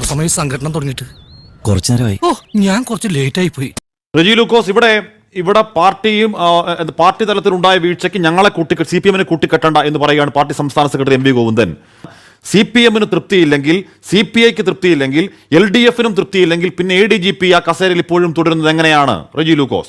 സമയം സംഘടന തുടങ്ങിയിട്ട് കുറച്ചു നേരമായി. ഞാൻ കുറച്ച് ലേറ്റ് ആയി പോയി. റെജി ലൂക്കോസ്, ഇവിടെ പാർട്ടി തലത്തിലുണ്ടായ വീഴ്ചയ്ക്ക് ഞങ്ങളെ CPM-നെ കൂട്ടിക്കെട്ടണ്ട എന്ന് പറയുകയാണ് പാർട്ടി സംസ്ഥാന സെക്രട്ടറി MV ഗോവിന്ദൻ. CPM-ന് തൃപ്തിയില്ലെങ്കിൽ, CPI-ക്ക് തൃപ്തിയില്ലെങ്കിൽ, LDF-നും തൃപ്തിയില്ലെങ്കിൽ പിന്നെ ADGP ആ കസേരയിൽ ഇപ്പോഴും തുടരുന്നത് എങ്ങനെയാണ് റെജി ലൂക്കോസ്?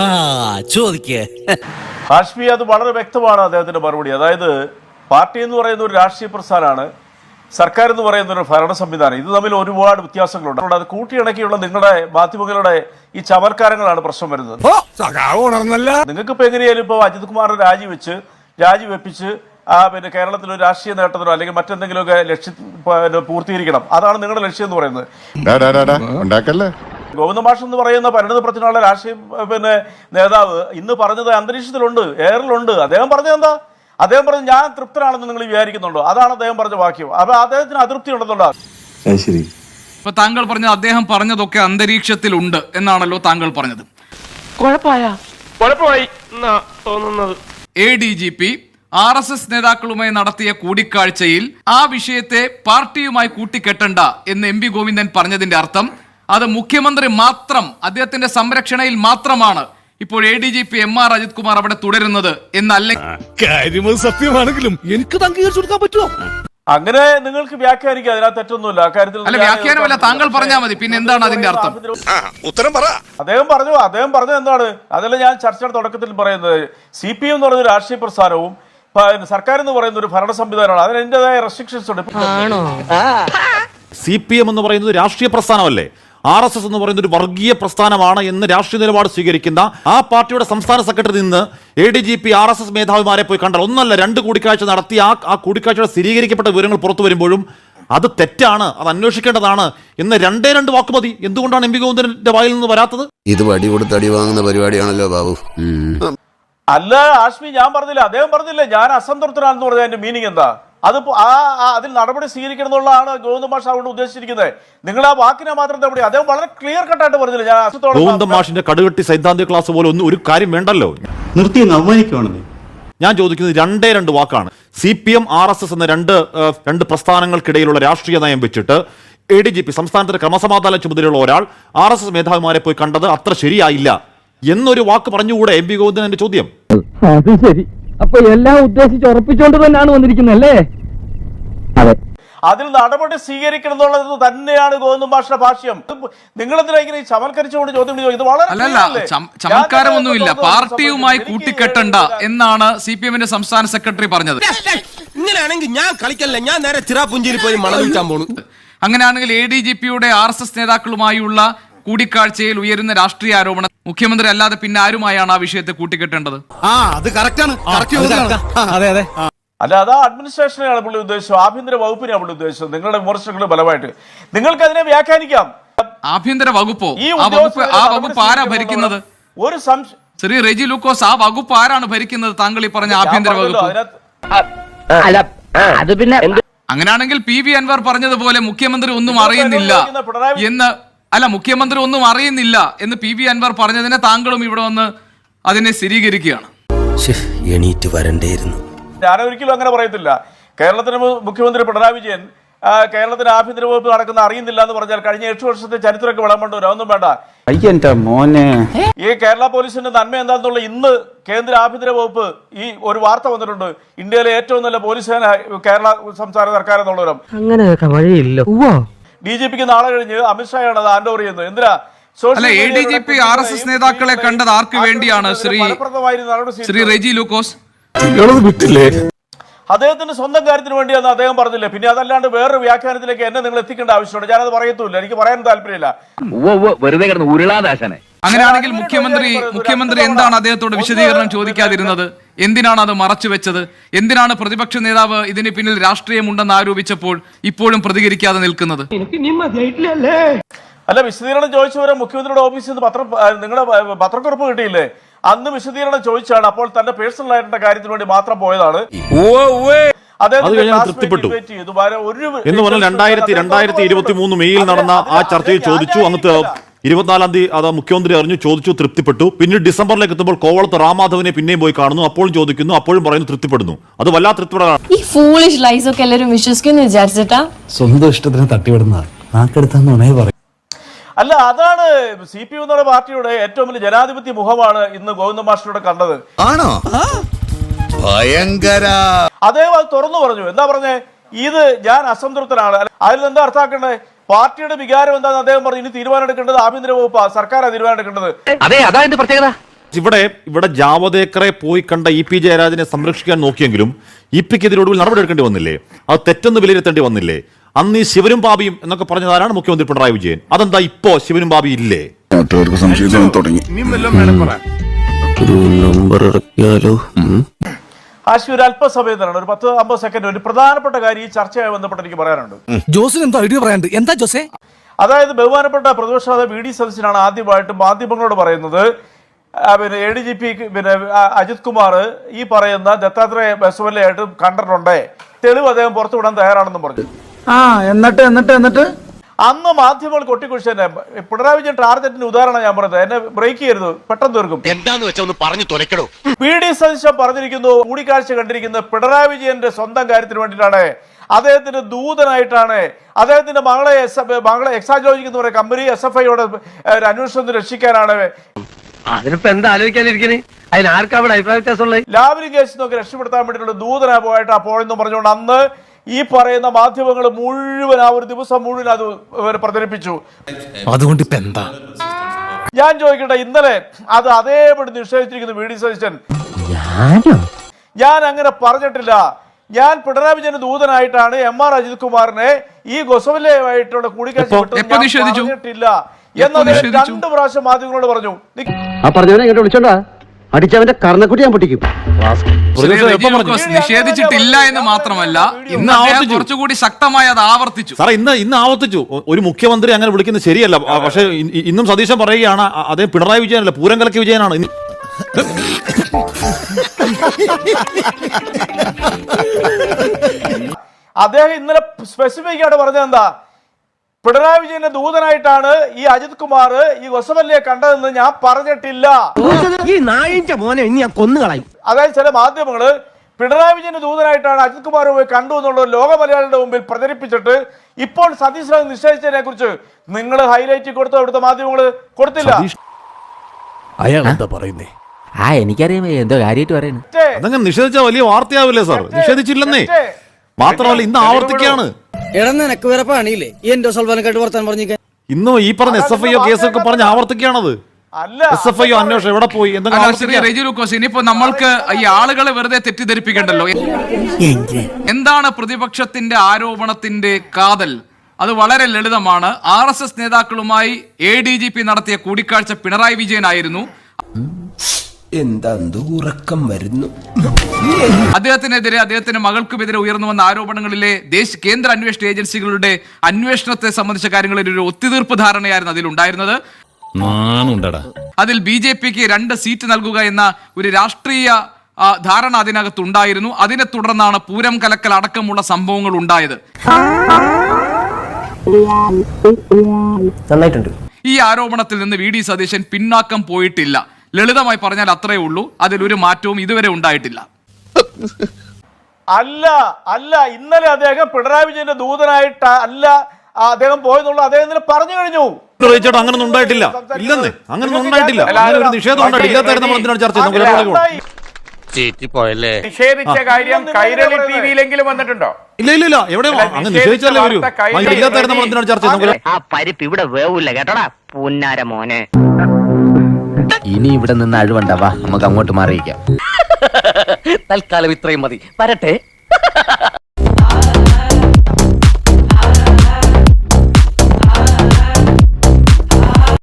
ഹാഷ്മി, അത് വളരെ വ്യക്തമാണ് അദ്ദേഹത്തിന്റെ മറുപടി. അതായത് പാർട്ടി എന്ന് പറയുന്ന ഒരു രാഷ്ട്രീയ പ്രസ്ഥാനമാണ്, സർക്കാർ എന്ന് പറയുന്ന ഒരു ഭരണ സംവിധാനം. ഇത് തമ്മിൽ ഒരുപാട് വ്യത്യാസങ്ങളുണ്ട്. അത് കൂട്ടിയിണക്കിയുള്ള നിങ്ങളുടെ മാധ്യമങ്ങളുടെ ഈ ചമൽക്കാരങ്ങളാണ് പ്രശ്നം വരുന്നത്. നിങ്ങൾക്ക് ഇപ്പൊ എങ്ങനെയാലും ഇപ്പൊ അജിത് കുമാറിനെ രാജിവെപ്പിച്ച് പിന്നെ കേരളത്തിൽ ഒരു രാഷ്ട്രീയ നേട്ടത്തിനോ അല്ലെങ്കിൽ മറ്റെന്തെങ്കിലുമൊക്കെ ലക്ഷ്യം പൂർത്തീകരിക്കണം. അതാണ് നിങ്ങളുടെ ലക്ഷ്യം എന്ന് പറയുന്നത്. ഗോവിന്ദ മാഷ് എന്ന് പറയുന്ന പരിണത പ്രജ്ഞയുള്ള രാഷ്ട്രീയ നേതാവ് ഇന്ന് പറഞ്ഞത് അന്തരീക്ഷത്തിലുണ്ട്, എയറിലുണ്ട്. അദ്ദേഹം പറഞ്ഞത് എന്താ? അദ്ദേഹം പറഞ്ഞു ഞാൻ തൃപ്തനാണെന്ന് നിങ്ങൾ വിചാരിക്കുന്നുണ്ടോ? അതാണ് അദ്ദേഹം പറഞ്ഞ വാക്യം. അപ്പൊ അദ്ദേഹത്തിന് അതൃപ്തി ഉണ്ടെന്നുണ്ടോ? ഇപ്പൊ താങ്കൾ പറഞ്ഞത് അദ്ദേഹം പറഞ്ഞതൊക്കെ അന്തരീക്ഷത്തിലുണ്ട് എന്നാണല്ലോ താങ്കൾ പറഞ്ഞത്. ADGP RSS നേതാക്കളുമായി നടത്തിയ കൂടിക്കാഴ്ചയിൽ ആ വിഷയത്തെ പാർട്ടിയുമായി കൂട്ടിക്കെട്ടണ്ട എന്ന് MV ഗോവിന്ദൻ പറഞ്ഞതിന്റെ അർത്ഥം അത് മുഖ്യമന്ത്രി മാത്രം, അദ്ദേഹത്തിന്റെ സംരക്ഷണയിൽ മാത്രമാണ് ഇപ്പോൾ ADGP MR അജിത് കുമാർ അവിടെ തുടരുന്നത് എന്നല്ല. കാര്യം സത്യമാണെങ്കിലും എനിക്ക് അംഗീകരിച്ചു കൊടുക്കാൻ പറ്റുമോ? അങ്ങനെ നിങ്ങൾക്ക് വ്യാഖ്യാനിക്കാം, അതിനകത്ത് തെറ്റൊന്നുമില്ല. അല്ല, വ്യാഖ്യാനമല്ല, താങ്കൾ പറഞ്ഞാൽ മതി. പിന്നെ എന്താണ് അതിന്റെ അർത്ഥം? ഉത്തരം പറ. അദ്ദേഹം പറഞ്ഞത് എന്താണ്? അതല്ല ഞാൻ ചർച്ചയുടെ തുടക്കത്തിൽ പറയുന്നത്. CPM എന്ന് പറയുന്ന രാഷ്ട്രീയ പ്രസ്ഥാനവും സർക്കാർ എന്ന് പറയുന്ന ഒരു ഭരണ സംവിധാനമാണ്. അതിന് അതിൻ്റെതായ റെസ്ട്രിക്ഷൻസ് ഉണ്ട്. CPM എന്ന് പറയുന്നത് രാഷ്ട്രീയ പ്രസ്ഥാനമല്ലേ? RSS എന്ന് പറയുന്ന ഒരു വർഗീയ പ്രസ്ഥാനമാണ് എന്ന് രാഷ്ട്രീയ നിലപാട് സ്വീകരിക്കുന്ന ആ പാർട്ടിയുടെ സംസ്ഥാന സെക്രട്ടറി നിന്ന് ADGP RSS മേധാവിമാരെ പോയി കണ്ടാൽ ഒന്നല്ല 2 കൂടിക്കാഴ്ച നടത്തി ആ കൂടിക്കാഴ്ചയുടെ സ്ഥിരീകരിക്കപ്പെട്ട വിവരങ്ങൾ പുറത്തു വരുമ്പോഴും അത് തെറ്റാണ്, അത് അന്വേഷിക്കേണ്ടതാണ് എന്ന് 2 വാക്ക് മതി. എന്തുകൊണ്ടാണ് MV ഗോവിന്ദന്റെ വായിൽ നിന്ന് വരാത്തത്? ഇത് വടി കൊടുത്ത് അടി വാങ്ങുന്ന പരിപാടിയാണല്ലോ ബാബു. അല്ല ആഷ്മി, ഞാൻ പറഞ്ഞില്ല, അദ്ദേഹം പറഞ്ഞില്ല ഞാൻ അസംതൃപ്തനാണെന്ന് പറഞ്ഞ അതിന്റെ മീനിങ് എന്താ? അതിൽ നടപടി സ്വീകരിക്കണം എന്നുള്ളതാണ് ഗോവിന്ദ മാഷ് അതുകൊണ്ട് ഉദ്ദേശിച്ചിരിക്കുന്നത്. നിങ്ങൾ ആ വാക്കിനെ മാത്രം തപ്പടി. അദ്ദേഹം വളരെ ക്ലിയർ കട്ടായിട്ട് പറഞ്ഞില്ല ഞാൻ ഗോവിന്ദ മാഷിന്റെ കടുകട്ടി സൈദ്ധാന്തിക ക്ലാസ് പോലെ ഒരു കാര്യം വേണ്ടല്ലോ. നിർത്തി അവമാനിക്കുവാണെന്ന് ഞാൻ ചോദിക്കുന്നത് 2 വാക്കാണ്. CPM RSS എന്ന രണ്ട് പ്രസ്ഥാനങ്ങൾക്കിടയിലുള്ള രാഷ്ട്രീയ നയം വെച്ചിട്ട് ADGP സംസ്ഥാനത്തിന്റെ ക്രമസമാധാന ചുമതലയുള്ള ഒരാൾ RSS മേധാവിമാരെ പോയി കണ്ടത് അത്ര ശരിയായില്ല എന്നൊരു വാക്ക് പറഞ്ഞുകൂടെ MV ഗോവിന്ദൻ? എന്റെ ചോദ്യം. അത് ശരി, അപ്പൊ എല്ലാം ഉദ്ദേശിച്ച് ഉറപ്പിച്ചുകൊണ്ട് തന്നെയാണ് വന്നിരിക്കുന്നല്ലേ? അതെ, അതിൽ നടപടി സ്വീകരിക്കണം എന്നുള്ളത് തന്നെയാണ് ഗോവിന്ദ മാഷിന്റെ ഭാഷ്യം. നിങ്ങളെന്തിനാ ചമൽക്കരിച്ചുകൊണ്ട് ചോദ്യം ചെയ്യുന്നത്? ഇത് വളരെ ചമൽക്കാരമൊന്നുമില്ല. പാർട്ടിയുമായി കൂട്ടിക്കെട്ടണ്ട എന്നാണ് CPM-ന്റെ സംസ്ഥാന സെക്രട്ടറി പറഞ്ഞത്. ഇങ്ങനെയാണെങ്കിൽ ഞാൻ കളിക്കല്ല, ഞാൻ നേരെ ചിറാപുഞ്ചിയിൽ പോയി മണം വിൽക്കാൻ പോണു. അങ്ങനെയാണെങ്കിൽ ADGP-യുടെ RSS നേതാക്കളുമായുള്ള കൂടിക്കാഴ്ചയിൽ ഉയരുന്ന രാഷ്ട്രീയ ആരോപണം മുഖ്യമന്ത്രി അല്ലാതെ പിന്നെ ആരുമായാണ് ആ വിഷയത്തെ കൂട്ടിക്കെട്ടേണ്ടത്? അല്ല, അതാ അഡ്മിനിസ്ട്രേഷനെയാണ് പുള്ളി ഉദ്ദേശിച്ചത്, ആഭ്യന്തര വകുപ്പിനെയാണ് പുള്ളി ഉദ്ദേശിച്ചത്. നിങ്ങളുടെ വിമർശനങ്ങളുടെ ഫലമായിട്ട് നിങ്ങൾക്ക് അതിനെ വ്യാഖ്യാനിക്കാം. ആഭ്യന്തര വകുപ്പോ? ആ വകുപ്പ് ആരാ ഭരിക്കുന്നത്? ഒരു സംശയം ശ്രീ റെജി ലൂക്കോസ്, ആ വകുപ്പ് ആരാണ് ഭരിക്കുന്നത്? താങ്കൾ ഈ പറഞ്ഞ ആഭ്യന്തര വകുപ്പ്. അങ്ങനെയാണെങ്കിൽ PV അൻവർ പറഞ്ഞതുപോലെ മുഖ്യമന്ത്രി ഒന്നും അറിയുന്നില്ല എന്ന് മുഖ്യമന്ത്രി ഒന്നും അറിയുന്നില്ല എന്ന് PV അൻവർ പറഞ്ഞതിനെ താങ്കളും ഇവിടെ വന്ന് അതിനെ സ്ഥിരീകരിക്കുകയാണ്. എണീറ്റ് വരണ്ടേയിരുന്നു. ഞാനൊരിക്കലും അങ്ങനെ പറയത്തില്ല. കേരളത്തിന് മുഖ്യമന്ത്രി പിണറായി വിജയൻ കേരളത്തിന് ആഭ്യന്തര വകുപ്പ് നടക്കുന്ന അറിയുന്നില്ല എന്ന് പറഞ്ഞാൽ കഴിഞ്ഞ 8 വർഷത്തെ ചരിത്രമൊക്കെ വിളമ്പണ്ടോ? ഒന്നും വേണ്ട. ഈ കേരള പോലീസിന്റെ നന്മ എന്താണെന്നുള്ള ഇന്ന് കേന്ദ്ര ആഭ്യന്തര വകുപ്പ് ഈ ഒരു വാർത്ത വന്നിട്ടുണ്ട്, ഇന്ത്യയിലെ ഏറ്റവും നല്ല പോലീസ് സേന കേരള സംസ്ഥാന സർക്കാർ എന്നുള്ളവരും. അങ്ങനെയൊക്കെ വഴിയില്ല. DGPക്ക് നാളെ കഴിഞ്ഞ് അമിത്ഷായാണ് അത് ഹാൻഡ് ഓവർ ചെയ്യുന്നത്. എന്തിനാ? ADGP RSS നേതാക്കളെ കണ്ടത് ആർക്ക് വേണ്ടിയാണ് ശ്രീ റെജി ലൂക്കോസ്? അദ്ദേഹത്തിന്റെ സ്വന്തം കാര്യത്തിന് വേണ്ടിയാന്ന് അദ്ദേഹം പറഞ്ഞില്ലേ? പിന്നെ അതല്ലാണ്ട് വേറൊരു വ്യാഖ്യാനത്തിലേക്ക് എന്നെ നിങ്ങൾ എത്തിക്കേണ്ട ആവശ്യമുണ്ട്. ഞാനത് പറയത്തുമില്ല, എനിക്ക് പറയാൻ താല്പര്യമില്ല. അങ്ങനെയാണെങ്കിൽ മുഖ്യമന്ത്രി എന്താണ് അദ്ദേഹത്തോട് വിശദീകരണം ചോദിക്കാതിരുന്നത്? എന്തിനാണ് അത് മറച്ചു വെച്ചത്? എന്തിനാണ് പ്രതിപക്ഷ നേതാവ് ഇതിന് പിന്നിൽ രാഷ്ട്രീയമുണ്ടെന്ന് ആരോപിച്ചപ്പോൾ ഇപ്പോഴും പ്രതികരിക്കാതെ നിൽക്കുന്നത്? അല്ല, വിശദീകരണം ചോദിച്ചവരെ മുഖ്യമന്ത്രിയുടെ ഓഫീസിൽ നിന്ന് നിങ്ങളുടെ പത്രക്കുറിപ്പ് കിട്ടിയില്ലേ? അന്ന് വിശദീകരണം ചോദിച്ചാണ്. അപ്പോൾ തന്റെ പേഴ്സണൽ ആയിട്ടുള്ള കാര്യത്തിന് വേണ്ടി മാത്രം പോയതാണ്. തൃപ്തിപ്പെട്ടു എന്ന് പറഞ്ഞാൽ 2023 മെയ്യിൽ നടന്ന ആ ചർച്ചയിൽ ചോദിച്ചു. അന്നത്തെ 24-ാം തീയതി അത് മുഖ്യമന്ത്രി അറിഞ്ഞു, ചോദിച്ചു, തൃപ്തിപ്പെട്ടു. പിന്നീട് ഡിസംബറിലേക്ക് എത്തുമ്പോൾ കോവളത്ത് റാമാധവനെ പിന്നെയും പോയി കാണുന്നു, അപ്പോഴും ചോദിക്കുന്നു, അപ്പോഴും പറയുന്നു തൃപ്തിപ്പെടുന്നു. അത് വല്ലാത്ത തൃപ്തിപ്പെടാണ്. ഈ ഫൂളിഷ് ലൈസ് ഒക്കെ എല്ലാവരും വിശ്വസിക്കുന്നു വിചാരിച്ചിട്ടാ? സ്വന്തം ഇഷ്ടത്തിന് തട്ടിവിടുന്ന അല്ല, അതാണ് CPM എന്നുള്ള പാർട്ടിയുടെ ഏറ്റവും വലിയ ജനാധിപത്യ മുഖമാണ് ഇന്ന് ഗോവിന്ദ മാസ്റ്ററുടെ കണ്ടത്. ആണോ? ഭയങ്കര. അദ്ദേഹം അത് തുറന്നു പറഞ്ഞു. എന്താ പറഞ്ഞേ? ഇത് ഞാൻ അസംതൃപ്തനാണ്. അതിൽ എന്താ അർത്ഥാക്കേണ്ടത്? പാർട്ടിയുടെ വികാരം എന്താണെന്ന് അദ്ദേഹം പറഞ്ഞു. ഇനി തീരുമാനം എടുക്കേണ്ടത് ആഭ്യന്തര വകുപ്പാ, സർക്കാരാണ് തീരുമാനം എടുക്കേണ്ടത്. അതെ, അതാ എന്റെ പ്രത്യേകത. ഇവിടെ ജാവദേക്കറെ പോയി കണ്ട EP ജയരാജനെ സംരക്ഷിക്കാൻ നോക്കിയെങ്കിലും EP-ക്ക് ഒടുവിൽ നടപടി എടുക്കേണ്ടി വന്നില്ലേ? അത് തെറ്റെന്ന് വിലയിരുത്തേണ്ടി വന്നില്ലേ? അന്ന് ഈ ശിവനും ബാബിയും എന്നൊക്കെ പറഞ്ഞതാരാണ് മുഖ്യമന്ത്രി പിണറായി വിജയൻ. അതെന്താ ഇപ്പോ ശിവനും ബാബി ഇല്ലേ? തുടങ്ങി. ഒരു നമ്പർ ഇറക്കിയാലോ? ആശി, ഒരു അല്പസമയത്തിനാണ്, ഒരു 10-50 സെക്കൻഡ് ഒരു പ്രധാനപ്പെട്ട കാര്യം ഈ ചർച്ചയുമായി ബന്ധപ്പെട്ട് എനിക്ക് പറയാനുണ്ട്. ജോസിന് എന്താ ഐഡിയ പറയാണ്ട്? എന്താ ജോസേ? അതായത് ബഹുമാനപ്പെട്ട പ്രതിപക്ഷ നേതാവ് VD സതീശനാണ് ആദ്യമായിട്ട് മാധ്യമങ്ങളോട് പറയുന്നത്, പിന്നെ ADGP പിന്നെ അജിത് കുമാർ ഈ പറയുന്ന ദത്താത്രേയ ബസുവല്ലയായിട്ട് കണ്ടിട്ടുണ്ട്, തെളിവ് അദ്ദേഹം പുറത്തുവിടാൻ തയ്യാറാണെന്നും പറഞ്ഞു. എന്നിട്ട് അന്ന് മാധ്യമങ്ങൾ കൊട്ടിക്കുഴിച്ച് തന്നെ പിണറായി വിജയൻ ടാർഗറ്റിന്റെ ഉദാഹരണം ഞാൻ പറഞ്ഞത്. എന്നെ ബ്രേക്ക് ചെയ്യരുത്, പെട്ടെന്ന് തീർക്കും. എന്താന്ന് വെച്ചാ ഒന്ന് പറഞ്ഞു തുലക്കടോ. VD സതീശൻ പറഞ്ഞിരിക്കുന്നു, കൂടിക്കാഴ്ച കണ്ടിരിക്കുന്നത് പിണറായി വിജയന്റെ സ്വന്തം കാര്യത്തിന് വേണ്ടിയിട്ടാണ്, അദ്ദേഹത്തിന്റെ ദൂതനായിട്ടാണ്, അദ്ദേഹത്തിന്റെ മകളെ എക്സാജോജിക് എന്ന് പറയുന്ന കമ്പനി SFIയുടെ ഒരു അന്വേഷണത്തിന് രക്ഷിക്കാനാണ്. അതിനിപ്പോ എന്താ ആലോചിക്കാനിരിക്കണേ? അതിനാർക്കാ അവിടെ അഭിപ്രായ വ്യത്യാസമുള്ളത്? ലാവ്ലിൻ കേസ് നോക്കി രക്ഷപ്പെടുത്താൻ വേണ്ടിയിട്ടുള്ള ദൂതനാ പോയിട്ട് പോയെന്ന് പറഞ്ഞുകൊണ്ട് അന്ന് ഈ പറയുന്ന മാധ്യമങ്ങൾ മുഴുവൻ ആ ഒരു ദിവസം മുഴുവൻ അത് പ്രചരിപ്പിച്ചു. അതുകൊണ്ട് ഇപ്പൊ എന്താ? ഞാൻ ചോദിക്കട്ടെ, ഇന്നലെ അത് അതേപടി നിഷേധിച്ചിരിക്കുന്നു VD സതീശൻ. ഞാൻ അങ്ങനെ പറഞ്ഞിട്ടില്ല. ഞാൻ പിണറായി വിജയന്റെ ദൂതനായിട്ടാണ് MR അജിത് കുമാറിനെ ഈ ഗൊസവല്ലയുമായിട്ടുള്ള കൂടിക്കാഴ്ച പറഞ്ഞിട്ടില്ല എന്നത് 2 പ്രാവശ്യം മാധ്യമങ്ങളോട് പറഞ്ഞു. ആ പറഞ്ഞവനെ ഇങ്ങോട്ട് വിളിച്ചോണ്ടാ അടിച്ചവന്റെ കർണക്കുട്ടി ഞാൻ പൊട്ടിക്കും. നിഷേധിച്ചിട്ടില്ല എന്ന് മാത്രമല്ല, ഇന്ന് അദ്ദേഹം കുറച്ചുകൂടി ശക്തമായി അത് ആവർത്തിച്ചു. സാറേ, ഇന്ന് ആവർത്തിച്ചു. ഒരു മുഖ്യമന്ത്രി അങ്ങനെ വിളിക്കുന്നത് ശരിയല്ല. പക്ഷെ ഇന്നും സതീശൻ പറയുകയാണ് അദ്ദേഹം പിണറായി വിജയനല്ല, പൂരം കലക്കി വിജയനാണ്. അദ്ദേഹം ഇന്നലെ സ്പെസിഫിക് ആയിട്ട് പറഞ്ഞത് എന്താ? പിണറായി വിജയന്റെ ദൂതനായിട്ടാണ് ഈ അജിത് കുമാർ ഈ ഗൊസവല്ലയെ കണ്ടതെന്ന് ഞാൻ പറഞ്ഞിട്ടില്ല. ഈ നായിന്റെ മോനെ ഇനി ഞാൻ കൊന്നുകളയും. അതായത് ചില മാധ്യമങ്ങള് പിണറായി വിജയന്റെ ദൂതനായിട്ടാണ് അജിത് കുമാർ പോയി കണ്ടു എന്നുള്ളത് ലോക മലയാളികളുടെ മുമ്പിൽ പ്രചരിപ്പിച്ചിട്ട് ഇപ്പോൾ സതീശനെ നിശ്ചയിച്ചതിനെ കുറിച്ച് നിങ്ങൾ ഹൈലൈറ്റ് കൊടുത്തോ? ഇവിടുത്തെ മാധ്യമങ്ങള് കൊടുത്തില്ല. അയാൾ എന്താ പറയുന്നേ? എനിക്കറിയാം എന്തോ കാര്യമായിട്ട് പറയുന്നത്. അതങ്ങനെ നിഷേധിച്ച വലിയ വാർത്തയാവില്ലേ സാർ? നിഷേധിച്ചില്ലെന്നേ. മാത്രമല്ല ഇന്ന് ആവർത്തിക്കുകയാണ്. ഇന്നും ഈ പറഞ്ഞ SFIO കേസൊക്കെ പറഞ്ഞ് ആവർത്തിക്കുകയാണത്. SFIO അന്വേഷണം എവിടെ പോയി? ഇനിയിപ്പോ നമ്മൾക്ക് ഈ ആളുകളെ വെറുതെ തെറ്റിദ്ധരിപ്പിക്കണ്ടല്ലോ. എന്താണ് പ്രതിപക്ഷത്തിന്റെ ആരോപണത്തിന്റെ കാതൽ? അത് വളരെ ലളിതമാണ്. RSS നേതാക്കളുമായി ADGP നടത്തിയ കൂടിക്കാഴ്ച പിണറായി വിജയനായിരുന്നു. എന്താ ഉറക്കം വരുന്നു. അദ്ദേഹത്തിനെതിരെ, അദ്ദേഹത്തിന്റെ മകൾക്കുമെതിരെ ഉയർന്നു വന്ന ആരോപണങ്ങളിലെ കേന്ദ്ര അന്വേഷണ ഏജൻസികളുടെ അന്വേഷണത്തെ സംബന്ധിച്ച കാര്യങ്ങളിൽ ഒരു ഒത്തുതീർപ്പ് ധാരണയായിരുന്നു അതിലുണ്ടായിരുന്നത്. അതിൽ BJPക്ക് 2 സീറ്റ് നൽകുക എന്ന ഒരു രാഷ്ട്രീയ ധാരണ അതിനകത്തുണ്ടായിരുന്നു. അതിനെ തുടർന്നാണ് പൂരം കലക്കൽ അടക്കമുള്ള സംഭവങ്ങൾ ഉണ്ടായത്. ഈ ആരോപണത്തിൽ നിന്ന് VD സതീശൻ പിന്നാക്കം പോയിട്ടില്ല. ലളിതമായി പറഞ്ഞാൽ അത്രേ ഉള്ളൂ. അതിലൊരു മാറ്റവും ഇതുവരെ ഉണ്ടായിട്ടില്ല. അല്ല ഇന്നലെ അദ്ദേഹം പിണറായി വിജയന്റെ ദൂതനായിട്ട് അല്ല അദ്ദേഹം പോയെന്നുള്ള അദ്ദേഹം ഇന്നലെ പറഞ്ഞു കഴിഞ്ഞു. അങ്ങനൊന്നും ഉണ്ടായിട്ടില്ല. ഇല്ലെന്നേ, അങ്ങനൊന്നും ഉണ്ടായിട്ടില്ല. അങ്ങനെ ഒരു നിഷേധം ഉണ്ടായിട്ടില്ല. നിഷേധിച്ച കാര്യം കൈരളി TVയിലെങ്കിലും വന്നിട്ടുണ്ടോ? ഇല്ല. എവിടെയോ അങ്ങനെ നിഷേധിച്ചല്ലേ വരൂ. ഇല്ലാത്തായിരുന്നു നമ്മൾ എന്തിനാണ് ചർച്ച ചെയ്യുന്നത്? ആ പരിപ്പ് ഇവിടെ വേവൂല കേട്ടോടാ പുന്നാര മോനെ. ഇനി ഇവിടെ നിന്ന് അഴിവണ്ടാവാ, നമുക്ക് അങ്ങോട്ട് മാറിയിക്കാം. തൽക്കാലം ഇത്രയും മതി. വരട്ടെ.